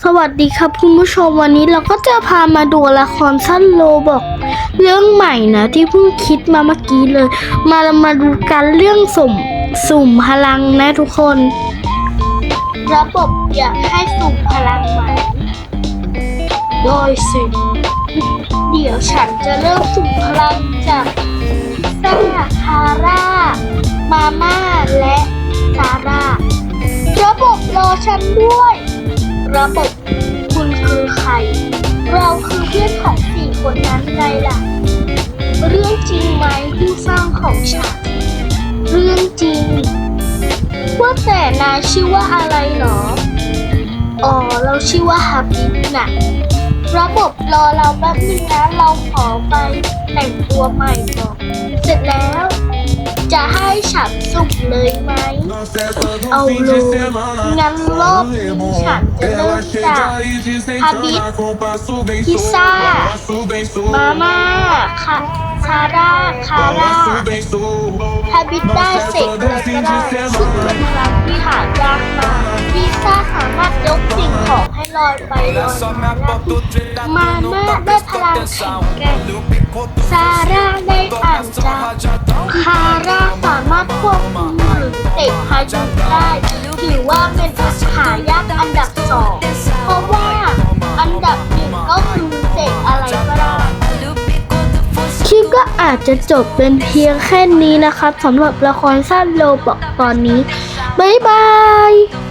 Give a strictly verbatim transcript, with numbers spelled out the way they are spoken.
สวัสดีครับคุณผู้ชมวันนี้เราก็จะพามาดูละครสั้นโลบอกเรื่องใหม่นะที่เพิ่งคิดมาเมื่อกี้เลย มาเรามาดูกันเรื่องสุ่มสุ่มพลังนะทุกคน ระบบอยากให้สุ่มพลังใหม่โดยสิเดี๋ยวฉันจะเริ่มสุ่มพลังจากพิซซ่าคาร่ามาม่าและซาร่าระบบรอฉันด้วย ระบบคุณคือใครเราคือเพื่อนของสี่คนนั้นไงล่ะเรื่องจริงไหมผู้สร้างของฉันเรื่องจริงว่าแต่นายชื่อว่าอะไรหรออ๋อเราชื่อว่าฮับบิบนะระบบรอเราแป๊บนึงนะเราขอไปแต่งตัวใหม่ก่อนเสร็จแล้วจะให้ฉันสุ่มเลยไหมเอาเลยงั้นรอบนี้ฉันจะเริ่มจากฮาบิบพิซซ่ามาม่าคาซาร่าคาร่าฮาบิบได้เสร็จเลยก็ได้ซึ่งเป็นพลังที่หายากมากพิซซ่าสามารถยกสิ่งของให้ลอยไปลอยมาได้มาม่าได้พลังแข็งแกร่งซาร่าได้อ่านใจคาร่าสามารถควบคุมหรือเตะพายุได้ถือว่าเป็นหายากอันดับสองเพราะว่าอันดับหนึ่งก็คือเตะอะไรก็ได้คลิปก็อาจจะจบเป็นเพียงแค่นี้นะครับสำหรับละครสั้นโลบอกตอนนี้บ๊ายบาย